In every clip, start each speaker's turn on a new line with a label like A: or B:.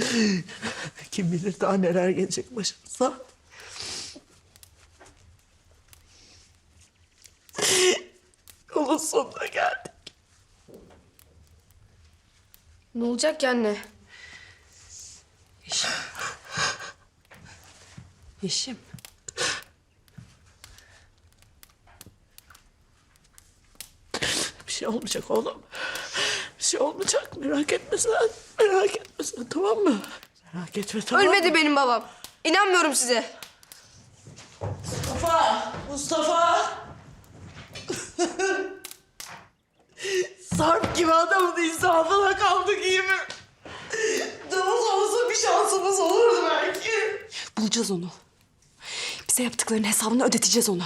A: Kim bilir daha neler gelecek başımıza. Yolun sonuna geldik.
B: Ne olacak ki anne?
C: Yeşim. Yeşim.
A: Bir şey olmayacak oğlum. Bir şey olmayacak. Merak etme sen. Merak etme sen, tamam mı? Merak etme, tamam mı?
B: Ölmedi benim babam. İnanmıyorum size.
A: Mustafa! Mustafa! Sarp gibi adamın insafına kaldık, iyi mi? Davul olsa bir şansımız olurdu belki.
C: Bulacağız onu. Bize yaptıklarının hesabını ödeteceğiz ona.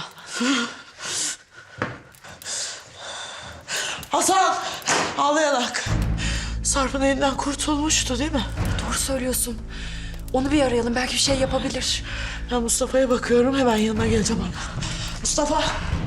A: Hasan! Ağlayarak. Sarp'ın elinden kurtulmuştu değil mi?
C: Doğru söylüyorsun. Onu bir arayalım. Belki bir şey yapabilir.
A: Ben Mustafa'ya bakıyorum. Hemen yanına geleceğim ona. Mustafa!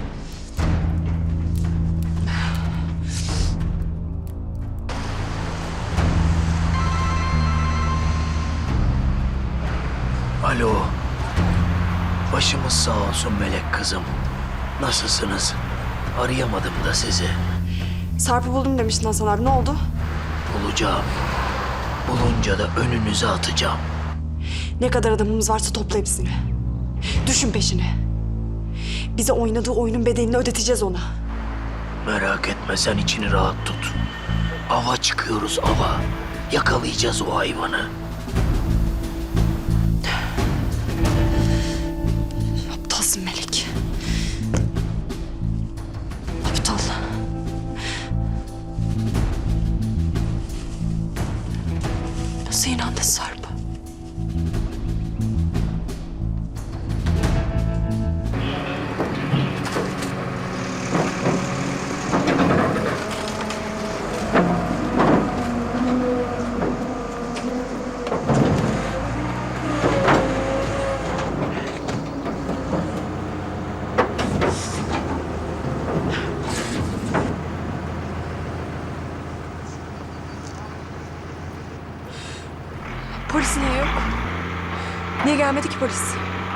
D: Alo. Başımız sağ olsun melek kızım. Nasılsınız? Arayamadım da sizi.
C: Sarp'ı buldum demiştin Hasan abi. Ne oldu?
D: Bulacağım. Bulunca da önünüze atacağım.
C: Ne kadar adamımız varsa topla hepsini. Düşün peşine. Bize oynadığı oyunun bedelini ödeteceğiz ona.
D: Merak etme, sen içini rahat tut. Ava çıkıyoruz, ava. Yakalayacağız o hayvanı.
C: Aptalsın Melek. Aptal. Nasıl inandın Sarp'a? Polis niye yok? Niye gelmedi ki polis?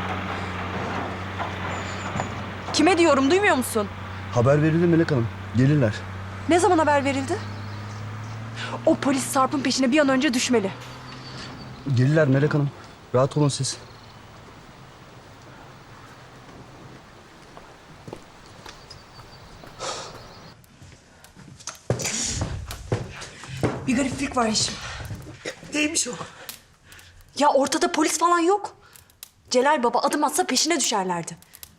C: Kime diyorum, duymuyor musun?
E: Haber verildi Melek Hanım. Gelirler.
C: Ne zaman haber verildi? O polis Sarp'ın peşine bir an önce düşmeli.
E: Gelirler Melek Hanım. Rahat olun siz.
C: Bir gariplik var Yeşim.
A: Neymiş o?
C: Ya ortada polis falan yok. Celal Baba adım atsa peşine düşerlerdi.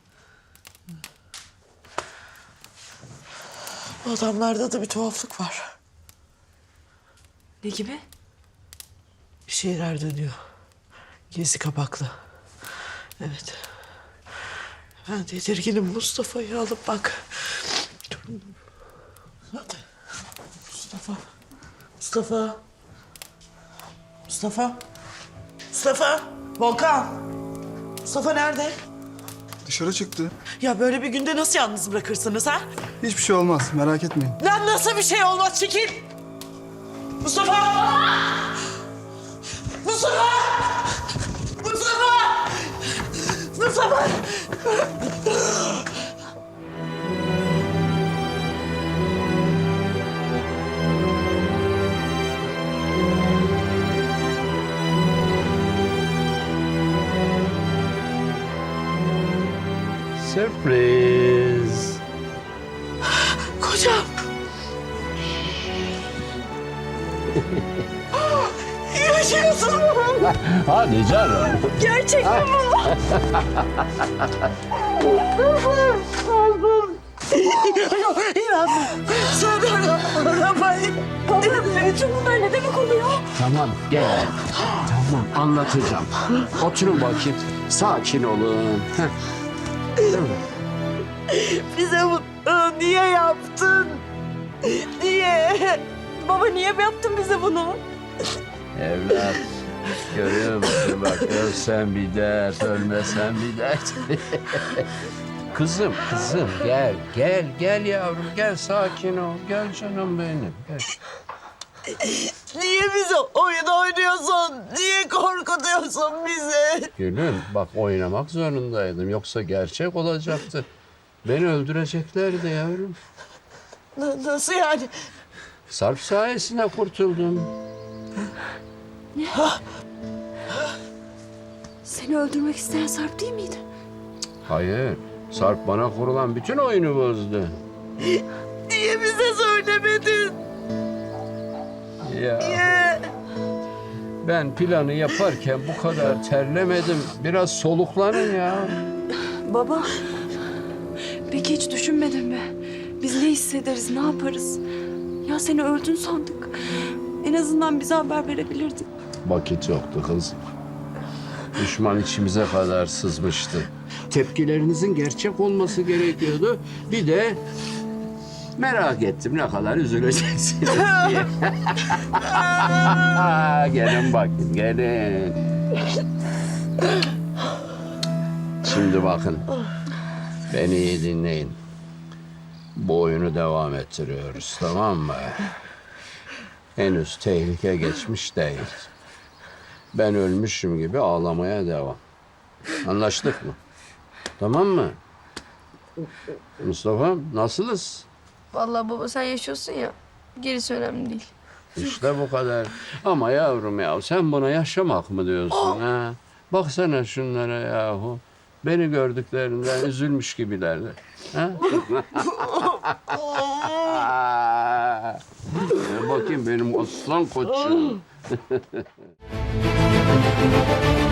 A: Bu adamlarda da bir tuhaflık var.
C: Ne gibi?
A: Bir şeyler dönüyor. Gizli kapaklı. Evet. Ben tedirginim. Mustafa'yı alıp bak. Dur. Hadi. Mustafa. Mustafa. Mustafa. Mustafa. Volkan. Mustafa nerede?
E: Dışarı çıktı.
A: Ya böyle bir günde nasıl yalnız bırakırsınız ha?
E: Hiçbir şey olmaz. Merak etmeyin.
A: Lan nasıl bir şey olmaz, çekil. Mustafa. Mustafa. Mustafa. Mustafa.
D: Sürpriz.
A: Kocam. Yaşıyorsun.
D: Hadi canım.
C: Gerçekten mi?
A: İnanmıyorum. Sonra arabayı.
C: Bütün bunlar ne demek oluyor?
F: Tamam gel. Tamam anlatacağım. Oturun bakayım. Sakin olun. Heh. Değil mi?
A: Bize bunu niye yaptın? Niye?
C: Baba niye yaptın bize bunu?
F: Evlat. Görüyor musun bak, ölsen bir dert, ölmesen bir dert. Kızım gel yavrum, gel sakin ol. Gel canım benim, gel.
A: Niye bize oyun oynuyorsun? Niye korkutuyorsun bizi?
F: Gülüm bak oynamak zorundaydım. Yoksa gerçek olacaktı. Beni öldüreceklerdi yavrum.
A: Nasıl yani?
F: Sarp sayesinde kurtuldum.
C: Seni öldürmek isteyen Sarp değil miydi?
F: Hayır. Sarp bana kurulan bütün oyunu bozdu.
A: Niye bize söylemedin?
F: Ya
A: Niye?
F: ben planı yaparken bu kadar terlemedim. Biraz soluklanın ya.
C: Baba, peki hiç düşünmedin mi? Biz ne hissederiz, ne yaparız? Ya seni öldün sandık. En azından bize haber verebilirdin.
F: Vakit yoktu kızım. Düşman içimize kadar sızmıştı. Tepkilerinizin gerçek olması gerekiyordu. Bir de merak ettim ne kadar üzüleceksiniz diye. Gelin bakın, gelin. Şimdi bakın, beni iyi dinleyin. Bu oyunu devam ettiriyoruz, tamam mı? Henüz tehlike geçmiş değil. Ben ölmüşüm gibi ağlamaya devam. Anlaştık mı? Tamam mı? Mustafa, nasılız?
B: Vallahi baba sen yaşıyorsun ya. Gerisi önemli değil.
F: İşte bu kadar. Ama yavrum ya sen buna yaşamak mı diyorsun ha? Baksana şunlara yahu. Beni gördüklerinden üzülmüş gibilerdi. Ha? Bakayım benim aslan koçum.